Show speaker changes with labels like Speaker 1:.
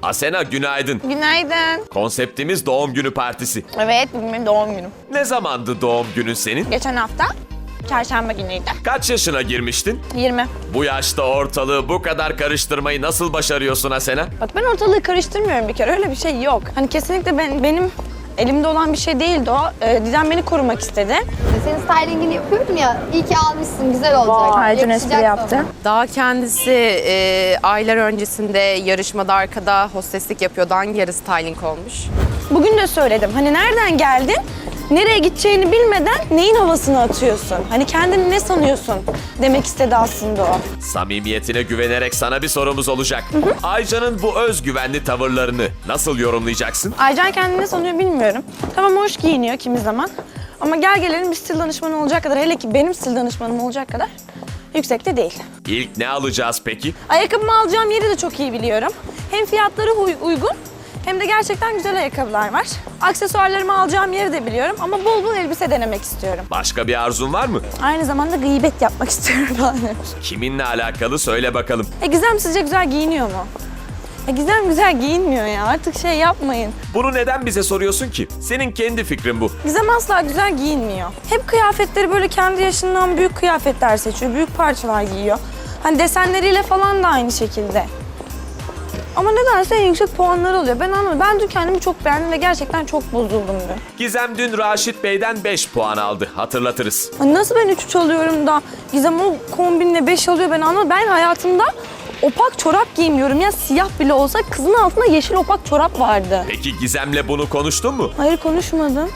Speaker 1: Asena günaydın.
Speaker 2: Günaydın.
Speaker 1: Konseptimiz doğum günü partisi.
Speaker 2: Evet, bugün benim doğum günüm.
Speaker 1: Ne zamandı doğum günün senin?
Speaker 2: Geçen hafta çarşamba günüydü.
Speaker 1: Kaç yaşına girmiştin?
Speaker 2: 20.
Speaker 1: Bu yaşta ortalığı bu kadar karıştırmayı nasıl başarıyorsun Asena?
Speaker 2: Bak ben ortalığı karıştırmıyorum bir kere. Öyle bir şey yok. Hani kesinlikle benim elimde olan bir şey değildi o. Didem beni korumak istedi.
Speaker 3: Senin stylingini yapıyorum ya, iyi ki almışsın, güzel olacak.
Speaker 2: Vay, dün
Speaker 3: Yakışacak
Speaker 2: espri yaptı.
Speaker 3: sana.
Speaker 4: Daha kendisi aylar öncesinde yarışmada arkada hosteslik yapıyordu. Hangi yarı styling olmuş?
Speaker 2: Bugün de söyledim. Hani nereden geldin? Nereye gideceğini bilmeden neyin havasını atıyorsun? Hani kendini ne sanıyorsun demek istedi aslında o.
Speaker 1: Samimiyetine güvenerek sana bir sorumuz olacak. Aycan'ın bu özgüvenli tavırlarını nasıl yorumlayacaksın?
Speaker 2: Aycan kendini ne sanıyor bilmiyorum. Tamam hoş giyiniyor kimi zaman. Ama gel gelelim bir stil danışmanı olacak kadar, hele ki benim stil danışmanım olacak kadar yüksekte değil.
Speaker 1: İlk ne alacağız peki?
Speaker 2: Ayakkabımı alacağım yeri de çok iyi biliyorum. Hem fiyatları uygun hem de gerçekten güzel ayakkabılar var. Aksesuarlarımı alacağım yeri de biliyorum ama bol bol elbise denemek istiyorum.
Speaker 1: Başka bir arzun var mı?
Speaker 2: Aynı zamanda gıybet yapmak istiyorum falan.
Speaker 1: Kiminle alakalı söyle bakalım.
Speaker 2: Gizem sizce güzel giyiniyor mu? Gizem güzel giyinmiyor ya, artık şey yapmayın.
Speaker 1: Bunu neden bize soruyorsun ki? Senin kendi fikrin bu.
Speaker 2: Gizem asla güzel giyinmiyor. Hep kıyafetleri böyle kendi yaşından büyük kıyafetler seçiyor, büyük parçalar giyiyor. Hani desenleriyle falan da aynı şekilde. Ama nedense en yüksek puanları alıyor. Ben anlamadım. Ben dün kendimi çok beğendim ve gerçekten çok bozuldum dün.
Speaker 1: Gizem dün Raşit Bey'den 5 puan aldı. Hatırlatırız.
Speaker 2: Hani nasıl ben 3 alıyorum da Gizem o kombinle 5 alıyor, ben anlamadım. Ben hayatımda opak çorap giymiyorum ya, siyah bile olsa kızın altında yeşil opak çorap vardı.
Speaker 1: Peki Gizem'le bunu konuştun mu?
Speaker 2: Hayır konuşmadım.